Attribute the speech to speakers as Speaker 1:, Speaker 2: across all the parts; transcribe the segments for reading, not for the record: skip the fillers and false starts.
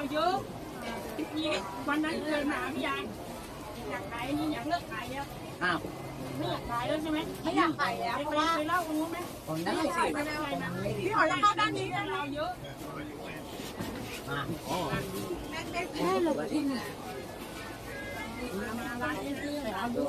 Speaker 1: เยอะทีวันนั้นเคยมาพี่ยายอยากขายนี่อยากเลิกขายแล้ว
Speaker 2: อ้าว
Speaker 1: ไม่อยากขายแล้วใช่ไหม
Speaker 3: ไม่อยากขายแล้วเพราะว่า
Speaker 1: ไปเล่าตรงนู้นไหม
Speaker 2: ผมได้สิ
Speaker 3: พี่หอยจะเข้าด้านนี้นะ
Speaker 1: เราเยอะ
Speaker 3: แค่เรากิน
Speaker 1: ร้านนี้เราด้วย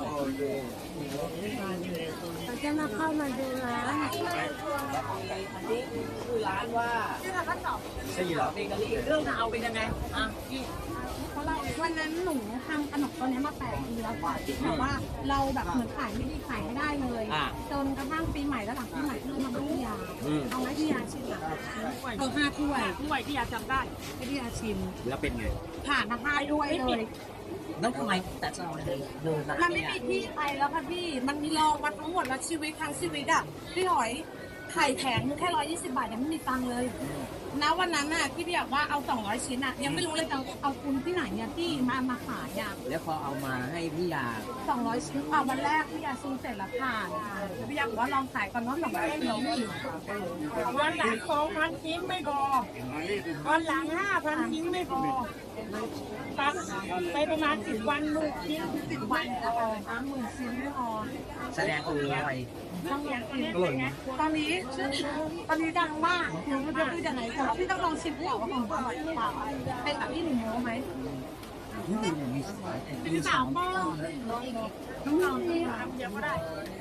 Speaker 3: เราจะมาเข้ามาดูร้าน
Speaker 2: อันนี้คือร้านว่า
Speaker 3: ที่เราก็ตอบ
Speaker 2: 4 เหรอเบเกอรี่เรื่องราวเป็นยังไงพี่
Speaker 3: วันนั้นหนูทำขนมตัวนี้มา8 ปีแล้วแต่ว่าเราแบบเหมือนขายไม่ดีขายไม่ได้เลยจนกระทั่งปีใหม่แล้วหลังปีใหม่เริ่มมาพี่ยาเอาไว้พี่ยาชิมเอา5 ถ้วย
Speaker 1: ที่อยากจำได้
Speaker 3: ให้พี่ยาชิม
Speaker 2: แล้วเป็นไง
Speaker 3: ผ่านมา5 ถ้วยเลย
Speaker 2: แล้วทำไมแต่เราเดินร้าน
Speaker 3: มันไม่
Speaker 2: เนี่ย
Speaker 3: มีที่ไปแล้วค่ะพี่มันมีลองมาทั้งหมดแล้วชีวิตทั้งชีวิตอ่ะพี่หอยไข่แข็งแค่120 บาทยังไม่มีตังค์เลยณวันนั้นน่ะที่พี่อยากว่าเอา200 ชิ้นอ่ะยังไม่รู้เลยจะเอาทุนที่ไหนเนี่ยที่มาขายอ่ะ
Speaker 2: แล้วพอเอามาให้พี่ยา
Speaker 3: 200 ชิ้นวันแรกพี่ยาซื้อเสร็จแล้วผ่านพี่อยากบอกว่าลองขายก่อนว่า200 ชิ้น
Speaker 1: วันหลัง2,000 ชิ้นไม่พอวันหลัง5,000 ชิ้นไม่พอตัดไปประมาณ10 วันลูกชิ้น
Speaker 3: 10 วัน30,000 ชิ้นไม่พอ
Speaker 2: แสดงอร่อย
Speaker 1: ต้องอย่างนี้ไง
Speaker 3: ตอนนี้ดังมากหนูไม่รู้จะพูดยังไงแต่ว่าพี่ต้องลองชิมก่อนว่าของอร่อยหรือเปล่าเป็นแบบที่หนูโม้ไหม
Speaker 1: เป็นสาวป้องต้องลองทำเดี๋ยวก็ได้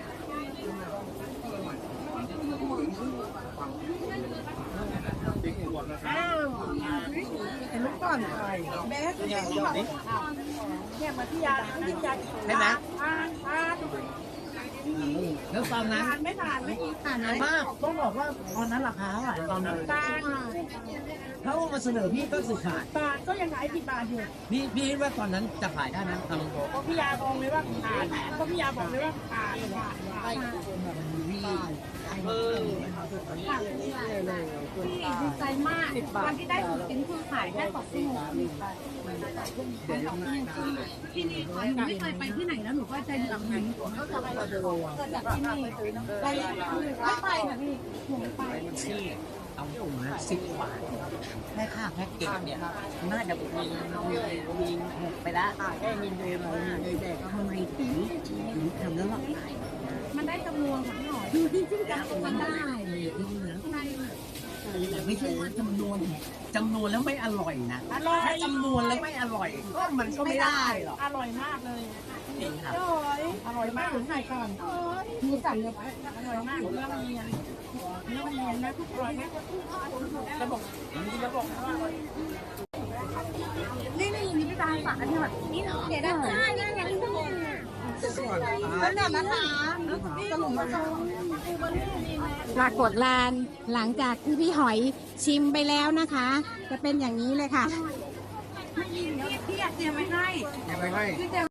Speaker 3: เห็นลูกก่อนเบสเนี่ยมาที่ยาที่ยา
Speaker 2: ใช่ไหม
Speaker 1: ทาน
Speaker 2: แล้วตอนนั้น
Speaker 1: ไม่ทานไม่กิน
Speaker 3: ผ่านไหม
Speaker 2: มากต้องบอกว่าตอนนั้นราคาเท่าไหร่ตอนนั้น
Speaker 1: ทาน
Speaker 2: เขามาเสนอพี่ก็สุดขาด
Speaker 1: บาทก็ยังขาย10 บาทอยู่
Speaker 2: พี่คิดว่าตอนนั้นจะขายได้ไหมทำ
Speaker 1: เพราะพี่ยาบอกเลยว่าทานเพราะพี่ยาบอกเลยว่าทาน
Speaker 3: ดีใจมากวันที่ได้ถุงชิ้นคือขายแค่2 ชั่วโมงที่นี่หนูไม่เคยไปที่ไหนแล้วหนูก็ใจหลังไหนก็จะไปเกิดจากที่นี่ไปไม่ไปค่ะพี่หนูไป
Speaker 2: ที่เอาถุงนะ10 บาทแค่ค่าแพ็กเกจเนี่ยน่าจะมีหกไปแล้วแค่มีเดย์มามีเดย์ทำไมถึงทำแล้วหรอ
Speaker 3: มันได้จำนวนค่ะพี่หน่อยดูจริงๆจังมันได้
Speaker 2: แต่ไม่ใช่ว่าจำนวนแล้วไม่อร่อยนะ
Speaker 1: อร่อย
Speaker 2: ถ้าจำนวนแล้วไม่อร่อยก็มันก็ไม่ได้หรอก
Speaker 1: อร่อยมากเลย
Speaker 2: จริงครับ
Speaker 1: อร่อยมากถึงไหนก่อน
Speaker 3: มีสั่งเยอะ
Speaker 1: อร่อยมากเรื่องเรียนนะทุกอร่อยนะระบบว่าอร่อย
Speaker 3: นี่พี่ตาฝากอันนี้แบบนี่เดี๋ยวได้นั่นไงที่พูดแล้วเนี่ยนะคะสรุปมาปรากฏลานหลังจากที่พี่หอยชิมไปแล้วนะคะ จะเป็นอย่างนี้เลยค่ะพี่อยากเตรียมไว้ให้